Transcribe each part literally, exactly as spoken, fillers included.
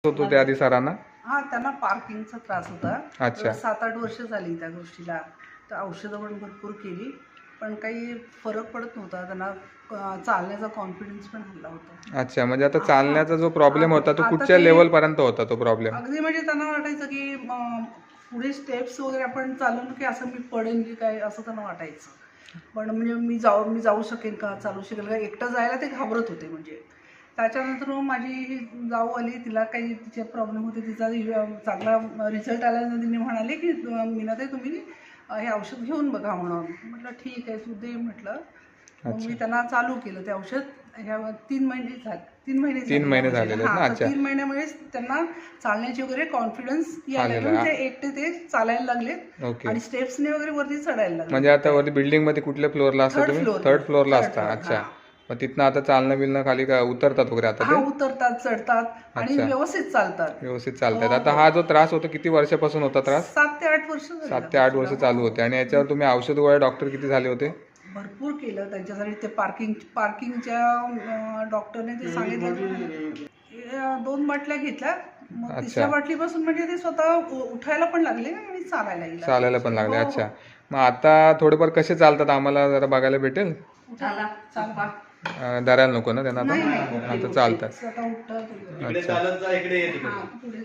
होतो त्या आधी सरांना? हा, त्यांना पार्किंगचा त्रास होता. अच्छा. सात आठ वर्ष झाली त्या गोष्टीला. तर औषधं पण भरपूर केली, पण काही फरक पडत नव्हता. त्यांना अ, चालण्याचा कॉन्फिडन्स पण हल्ला होता. अच्छा, म्हणजे आता हा, चालण्याचा जो प्रॉब्लेम होता तो आता कुठच्या ते लेवल पर्यंत होता तो प्रॉब्लेम? अगदी म्हणजे त्यांना वाटायचं की अ, पुढे स्टेप्स वगैरे आपण चालून की असं मी पडेन की काय असं त्यांना वाटायचं. पण म्हणजे मी जाऊ मी जाऊ शकेन का, चालू शकेल का, एकटं जायला ते घाबरत होते. म्हणजे त्याच्यानंतर मग माझी जाऊ आली, तिला काही तिचे प्रॉब्लेम होते, तिचा चांगला रिझल्ट आल्यानंतर तिने म्हणाले की मीनाताई तुम्ही हे औषध घेऊन बघा म्हणून. म्हटलं ठीक आहे, तू दे म्हटलं. मग मी त्यांना चालू केलं ते औषध. ह्या तीन महिने झाले तीन महिने तीन महिने झालेले आहेत ना? हां, तर अच्छा. तीन महिन्यामुळेच त्यांना चालण्याची वगैरे कॉन्फिडन्स यायला आलेला लागला. आहे. ते एकटे ते चालायला लागले ओके. आणि स्टेप्सने वगैरे वरती चढायला लागले. म्हणजे आता वरती बिल्डिंग मध्ये कुठल्या फ्लोअरला असता थर्ड तुम्ही? फ्लोअर थर्ड फ्लोअरला थर्ड असता. फ्लोअर, अच्छा. हां. मग तिथनं आता चालणं बिलणं खाली का उतरतात वगैरे आता हा, ते? उतरतात, चढतात आणि अच्छा. व्यवस्थित चालतात. व्यवस्थित चालतात. हो, आता हो. हा जो त्रास होता किती वर्षापासून होता त्रास? सात ते आठ वर्ष झाली सात त्या ते आठ वर्ष गोष्टीला. चालू हो. होते. आणि याच्यावर तुम्ही औषध गोळ्या डॉक्टर किती झाले होते? भरपूर केलं त्यांच्यासाठी. ते पार्किंग पार्किंगच्या डॉक्टरने ते सांगितलं. अं, दोन बाटल्या घेतल्या. मग अच्छा. तिसऱ्या बाटलीपासून म्हणजे ते स्वतः उ- उठायला पण लागले आणि चालायला लागले. चालायला पण लागले. हो, अच्छा. हो. मग आता थोडेफार कसे चालतात आम्हाला जरा बघायला भेटेल? उठायला, चालवा. अं, धरायला नको ना त्यांना नाही, आता? नाही. आता चालतात. स्वतः उठतात. अच्छा. चालत जा, इकडे ये तिकडे. हां, पुढे.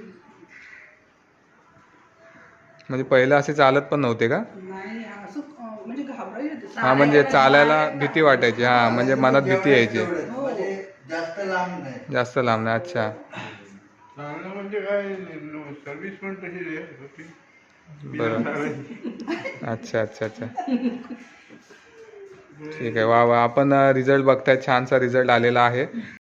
म्हणजे पहिलं असे चालत पण नव्हते का? नाही, असं अं, म्हणजे घाबरायचे. हा, म्हणजे चालायला भीती वाटायची. हा, म्हणजे मनात भीती यायची. म्हणजे जास्त लांब नाही. जास्त लांब नाही. अच्छा. चांगलं म्हणजे काय, सर्व्हिस पण तशी होती. बरं. अच्छा अच्छा अच्छा. ठीक आहे. वा वा. आपण रिझल्ट बघताय, छानसा रिझल्ट आलेला आहे.